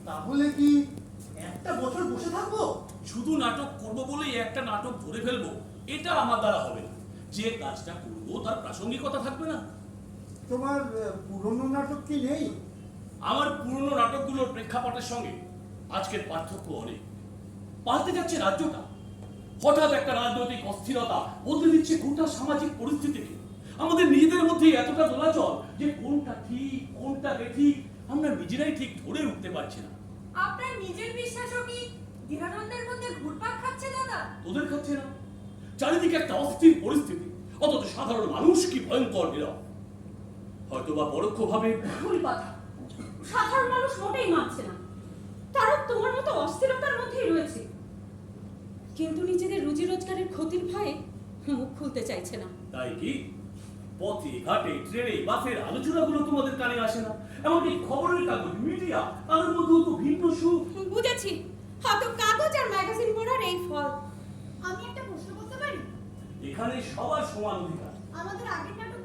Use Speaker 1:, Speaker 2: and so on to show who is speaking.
Speaker 1: তাহলে কি একটা বছর বসে থাকবো?
Speaker 2: শুধু নাটক করবো বলেই একটা নাটক ধরে ফেলবো এটা আমার দ্বারা হবে না। যে কাজটা করবো তার প্রাসঙ্গিকতা থাকবে না।
Speaker 1: তোমার পুরনো নাটক কি নেই?
Speaker 2: আমার পুরনো নাটকগুলোর প্রেক্ষাপটের সঙ্গে আজকের পার্থক্য অনেক। পাল্টে যাচ্ছে রাজ্যটা। হঠাৎ একটা রাজনৈতিক অস্থিরতা বদলে দিচ্ছে গোটা সামাজিক পরিস্থিতিকে। আমাদের নিজেদের মধ্যে এতটা দোলাচল যে কোনটা ঠিক কোনটা বেঠিক আমরা নিজেরাই ঠিক ধরে উঠতে পারছি না।
Speaker 3: আপনার নিজের বিশ্বাসও কি দ্বিধাদ্বন্দ্বের মধ্যে ঘুরপাক খাচ্ছে দাদা?
Speaker 2: তোদের খাচ্ছে না? চারিদিকে একটা অস্থির পরিস্থিতি, অথচ সাধারণ মানুষ কি ভয়ঙ্কর নীরব। হয়তোবা পরোক্ষভাবে
Speaker 4: ভুল কথা। সাধারণ মানুষ মোটেই মানছে না, তারা তোমার মতো অস্থিরতার মধ্যেই রয়েছে, কিন্তু নিজেদের রুজি রোজগারের ক্ষতির ভয়ে মুখ খুলতে চাইছে না।
Speaker 2: তাই কি পথে ঘাটে ট্রেনে বাসের আলোচনাগুলো তোমাদের কানে আসে না? এমনকি খবরের কাগজ মিডিয়া তাদের মধ্যেও তো ভিন্ন সুখ।
Speaker 4: বুঝেছি, হয়তো কাগজ আর ম্যাগাজিন পড়ার এই ফল।
Speaker 5: আমি একটা প্রশ্ন করতে পারি?
Speaker 2: এখানে সবার সমান অধিকার।
Speaker 5: আমাদের আগের নাটক